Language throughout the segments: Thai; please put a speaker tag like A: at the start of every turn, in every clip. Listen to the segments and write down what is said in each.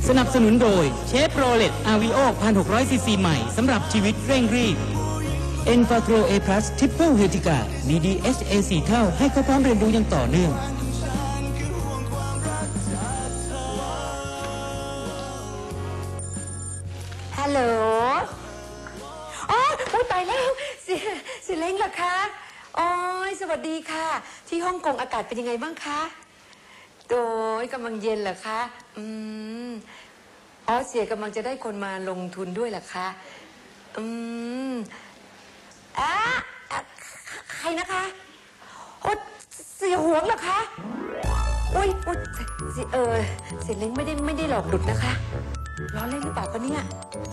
A: สนับสนุนโดยเชฟโรเลตอาวิโอ1,600 ซีซีใหม่สำหรับชีวิตเร่งรีบเอ็นฟาโกรเอพลัสทริปเปิลเฮติกามี DHA 4 เท่าให้เขาพร้อมเรียนรู้อย่างต่อเนื่อง
B: ฮัลโหลอ๋อตายแล้วเสียเล้งเหรอคะอ๋อสวัสดีค่ะที่ฮ่องกงอากาศเป็นยังไงบ้างคะโดยกำลังเย็นเหรอคะอ๋อเสียกำลังจะได้คนมาลงทุนด้วยเหรอคะใครนะคะโอ้เสียหวงเหรอคะอุ้ยเสียเล้งไม่ได้หลอกหลุดนะคะล้อเล่นหรือเปล่าปะเนี่ย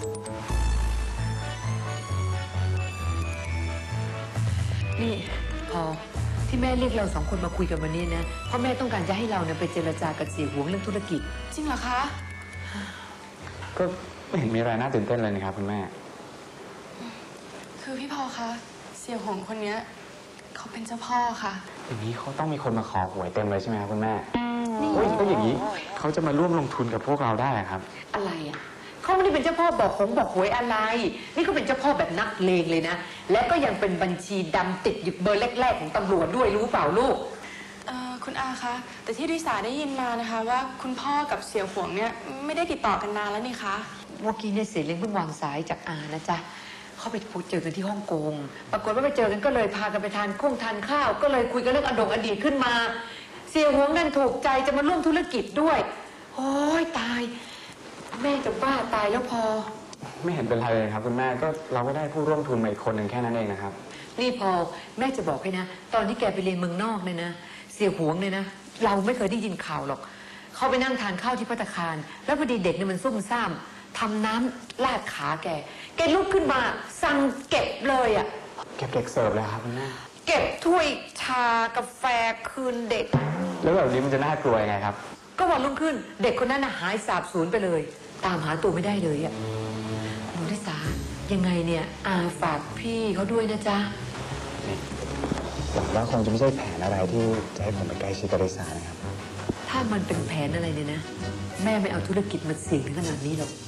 B: นี่พอที่แม่เรียกเรา2 คนมาคุยกันวันนี้นะเพราะแม่ต้องการจะให้เราเนี่ยไปเจรจากับเสียหวงเรื่องธุรกิจจริงเหรอคะ
C: ก็ไม่เห็นมีอะไรน่าตื่นเต้นเลยนะครับคุณแม่
D: คือพี่พอคะเสี่ยหวงคนนี้เขาเป็นเจ้าพ่อค่ะ
C: อย่างนี้เขาต้องมีคนมาขอหวยเต็มเลยใช่ไหมครับคุณแม่ก็อย่างนี้เขาจะมาร่วมลงทุนกับพวกเราได้ครับ
B: อะไรอ่ะเขาไม่ได้เป็นเจ้าพ่อบอกหวยอะไรนี่เขาเป็นเจ้าพ่อแบบนักเลงเลยนะและก็ยังเป็นบัญชีดำติดอยู่เบอร์แรกๆของตำรวจด้วยรู้เปล่าลูก
D: คุณอาคะแต่ที่ดิสาได้ยินมานะคะว่าคุณพ่อกับเสี่ยหวงเนี่ยไม่ได้ติดต่อกันนานแล้วนี่คะ
B: เมื่อกี้เนี่ยเสียเล้งเพิ่งวางสายจากอานะจ๊ะเขาไปเจอกันที่ฮ่องกงปรากฏว่าไปเจอกันก็เลยพากันไปทานข้าวก็เลยคุยกันเรื่องอดีตขึ้นมาเสี่ยหวงนั่นถูกใจจะมาร่วมธุรกิจด้วยโอ้ยตายแม่จะบ้าตายแล้วพอ
C: ไม่เห็นเป็นไรเลยครับคุณแม่ก็เราก็ได้ผู้ร่วมทุนมาอีกคนหนึ่งแค่นั้นเองนะครับ
B: นี่พอแม่จะบอกให้นะตอนที่แกไปเรียนเมืองนอกเนี่ยนะเสี่ยหวงเนี่ยนะเราไม่เคยได้ยินข่าวหรอกเขาไปนั่งทานข้าวที่ภัตตาคารแล้วพอดีเด็กเนี่ยมันซุ่มซ่ามทำน้ำราดขาแกลุกขึ้นมาสั่งเก็บเลยอ่ะ
C: เก็บเด็กเสิร์ฟเลยครับคุณแม่
B: เก็บถ้วยชากาแฟคืนเด็ก
C: แล้วแบบนี้มันจะน่ากลัวยังไงครับ
B: ก็วันรุ่งขึ้นเด็กคนนั้นหายสาบสูญไปเลยตามหาตัวไม่ได้เลยอ่ะหนูนิสายังไงเนี่ยอาฝากพี่เขาด้วยนะจ๊ะ
C: หวังว่าคงจะไม่ใช่แผนอะไรที่จะให้ผมไปใกล้ชิดกับริสานะครับ
B: ถ้ามันเป็นแผนอะไรเนี่ยนะแม่ไม่เอาธุรกิจมาเสี่ยงถึงขนาดนี้หรอก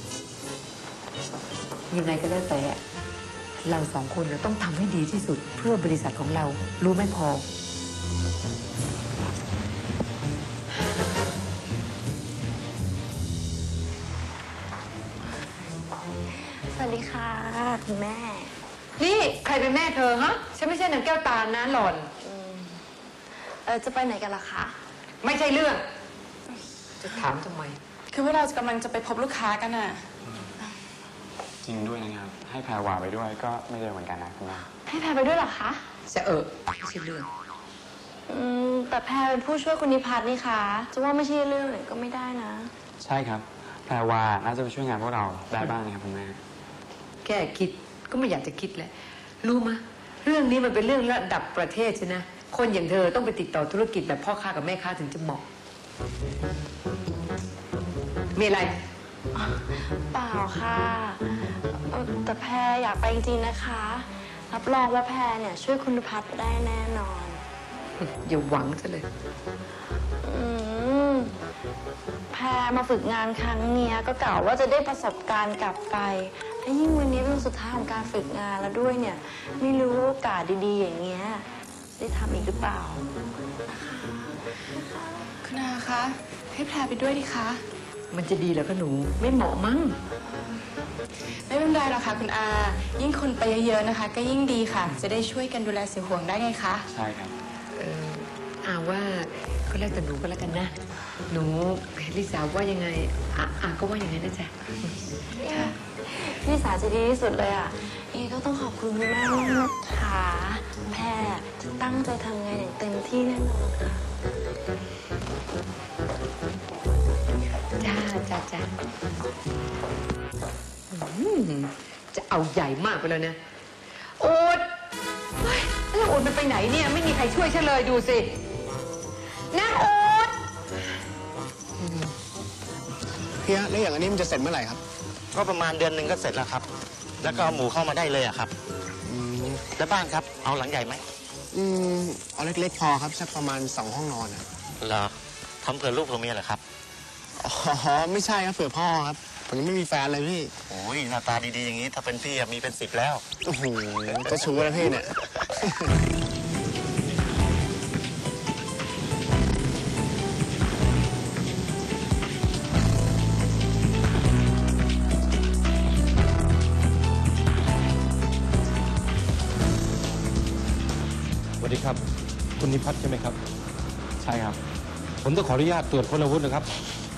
B: ยังไงก็แล้วแต่เรา2 คนต้องทำให้ดีที่สุดเพื่อบริษัทของเรารู้ไหมพอ
D: สวัสดีค่ะคุณแม่
B: นี่ใครเป็นแม่เธอฮะฉันไม่ใช่นางแก้วตานะหล่อน
D: จะไปไหนกันล่ะคะ
B: ไม่ใช่เรื่องจะถามทำไม
D: คือว่าเรากำลังจะไปพบลูกค้ากันน่ะ
C: จริงด้วยนะครับให้แพรวาไปด้วยก็ไม่เร็วเหมือนกันนะคุณแม่
D: ให้แพรไปด้วยเหรอคะ
B: ไม่ใช่เรื่อง
D: แต่แพรเป็นผู้ช่วยคุณนิพัฒน์นี่คะจะว่าไม่ใช่เรื่องเลยก็ไม่ได้นะ
C: ใช่ครับแพรวาน่าจะไปช่วยงานพวกเราได้บ้างนะครับคุณแม่
B: แค่คิดก็ไม่อยากจะคิดแหละรู้มะเรื่องนี้มันเป็นเรื่องระดับประเทศใช่นะคนอย่างเธอต้องไปติดต่อธุรกิจแบบพ่อค้ากับแม่ค้าถึงจะเหมาะมีอะไร
D: เปล่าค่ะแต่แพรอยากไปจริงๆนะคะรับรองว่าแพรเนี่ยช่วยคุณพัฒน์ได้แน่นอน
B: อย่าหวังซะเลย
D: แพรมาฝึกงานครั้งนี้ก็กล่าวว่าจะได้ประสบการณ์กลับไปและยิ่งวันนี้เป็นวันสุดท้ายของการฝึกงานแล้วด้วยเนี่ยไม่รู้โอกาสดีๆอย่างเงี้ยได้ทำอีกหรือเปล่าคุณอาคะให้แพรไปด้วยดิคะ
B: มันจะดีเหรอคะหนูไม่เหมาะมั้ง
D: ไม่เป็นไรหรอกค่ะคุณอายิ่งคนไปเยอะๆนะคะก็ยิ่งดีค่ะจะได้ช่วยกันดูแลเสี่ยหวงได้ไงคะ
C: ใช่ครับ
B: อาว่าก็แล้วแต่หนูก็แล้วกันนะหนูลิสาว่ายังไงอาก็ว่าอย่างนั้นนะจ๊ะ
D: ลิสาจะดีที่สุดเลยอ่ะก็ต้องขอบคุณคุณแม่มากค่ะแพรจะตั้งใจทำงานอย่างเต็มที่แน่นอนค่ะ
B: จ้าจะเอาใหญ่มากไปแล้วนะโอ๊ตแล้วโอ๊ตมันไปไหนเนี่ยไม่มีใครช่วยฉันเลยดูสินะโอ๊ต
E: พี่ฮะแล้วอย่างอันนี้มันจะเสร็จเมื่อไหร่ครับ
F: ก็ประมาณเดือนหนึ่งก็เสร็จแล้วครับแล้วก็เอาหมูเข้ามาได้เลยอะครับแล้วบ้านครับเอาหลังใหญ่ไหม
E: เอาเล็กๆพอครับสักประมาณ2 ห้องนอน
F: เหรอทำเผื่อลูกเผื่อเมียเหรอครับ
E: อ๋อไม่ใช่ครับเผื่อพ่อครับผมยังไม่มีแฟนเลยพี่
F: โอ้ยหน้าตาดีๆอย่างนี้ถ้าเป็นพี่อะมีเป็น10แล้ว
E: โอ้โหจะชูแล้วพี่เนี่ย
G: สวัสดีครับ คุณนิพัฒน์ใช่ไหมครับ
C: ใช่ครับ
G: ผมต้องขออนุญาตตรวจค้นอาวุธนะครับ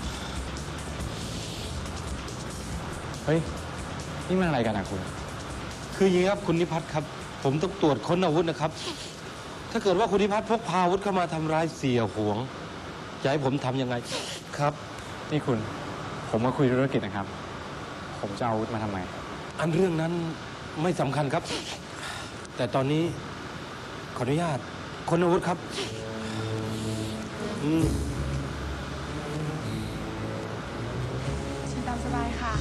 C: เฮ้ย นี่มันอะไรกันอะคุณ
G: คืออย่างนี้ครับคุณนิพัฒน์ครับ ผมต้องตรวจค้นอาวุธนะครับ ถ้าเกิดว่าคุณนิพัฒน์พกพาอาวุธเข้ามาทำร้ายเสียหวงจะให้ผมทำยังไงครับ
C: นี่คุณ ผมมาคุยธุรกิจนะครับ ผมจะเอาอาวุธมาทำไม
G: อันเรื่องนั้นไม่สำคัญครับ แต่ตอนนี้ขออนุญาตค้นอาวุธครับ
D: เชิญตามสบายค่ะ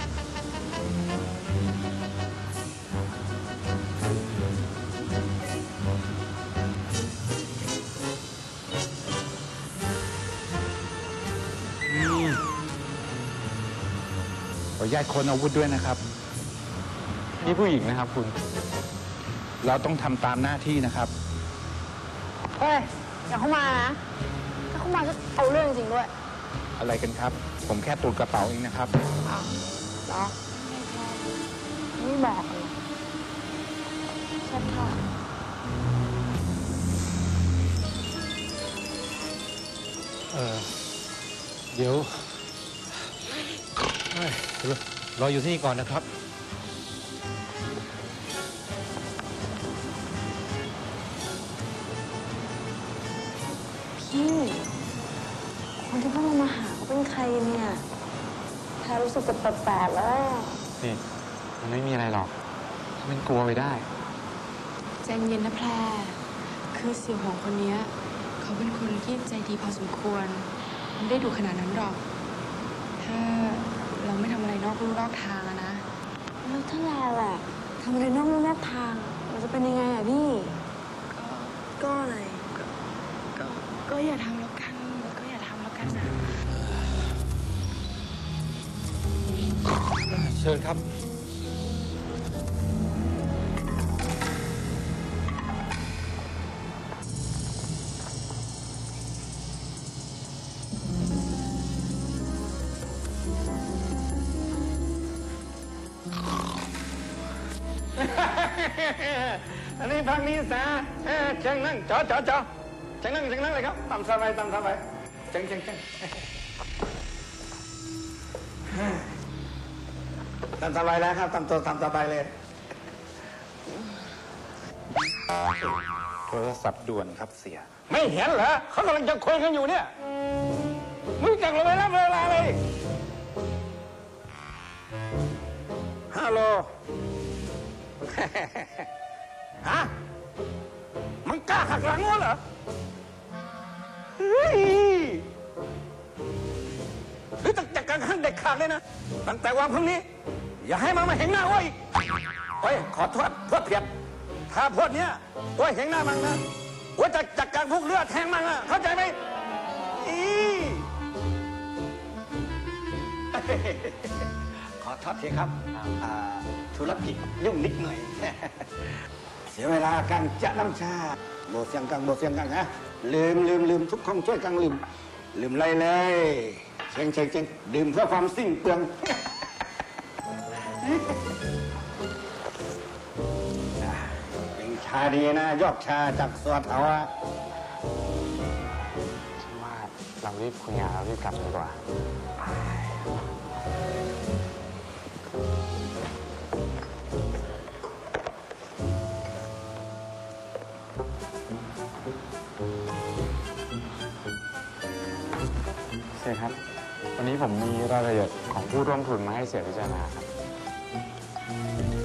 C: ขออนุญาตค้นอาวุธด้วยนะครับ นี่ผู้หญิงนะครับคุณ เราต้องทำตามหน้าที่นะครับ
D: เฮ้ย อย่าเข้ามานะ ถ้าเข้ามาจะเอาเรื่องจริงด้วย
C: อะไรกันครับ ผมแค่ตรวจกระเป๋าเองนะครับ
D: อ้าวเหรอไม่บอกเลยใช่ค่ะ
G: เดี๋ยวเฮ้ยรออยู่ที่นี่ก่อนนะครับ
D: พี่ คนที่เพิ่งมาหาเขาเป็นใครเนี่ยแพรรู้สึกจะแปลกๆแล้ว
C: นี่ มันไม่มีอะไรหรอกถ้ามันกลัวไปได้
H: ใจเย็นนะแพร คือเสี่ยวหงคนเนี้ยเขาเป็นคนที่ใจดีพอสมควร ไม่ได้ดูขนาดนั้นหรอก ถ้าเราไม่ทำอะไรนอกลู่นอกทางอะนะ
D: แล้วถ้าแลแหละทำอะไรนอกลู่นอกทาง มันจะเป็นยังไงอะพี่ ก็อะไร
H: ก็อย่าทำแล้วกัน ก็อย่าทำแล้วกันนะ
G: เชิญครับ
I: อันนี้พักนี้ซะเชิงนั่งจอเชิงนั่งเลยครับตามสบายเชิงตามสบายแล้วครับตามตัวตามสบายเลย
C: โทรศัพท์ด่วนครับเสีย
I: ไม่เห็นเหรอเขากำลังจะคุยกันอยู่เนี่ยมึงจักลงไปรับเวลาเลยฮัลโหล ฮะมึงกล้าหักหลังวะเหรอเฮ้ยหรือจัดการขั้นเด็ดขาดเลยนะตั้งแต่วันพรุ่งนี้ อย่าให้มันมาเห็นหน้าว่าอีกโอ้ยขอโทษพวกเพียบถ้าพวกเนี้ยว่าเห็นหน้ามันนะว่าจะจัดการพวกเลือดแทงมันอะเข้าใจไหมขอโทษทีครับธุรกิจยุ่งนิดหน่อย เสียเวลาการจะน้ำชาโบเสียงกังฮะลืมทุกคนช่วยกันลืมไรเลยเชิงดื่มเพื่อความสิ้นเปลือง เป็นชาดีนะยอกชาจากสวนเอาอะ
C: ว่าเรารีบคุยงานเรารีบกลับดีกว่า เสียครับ วันนี้ผมมีรายละเอียดของผู้ร่วมทุนมาให้เสียพิจารณาครับ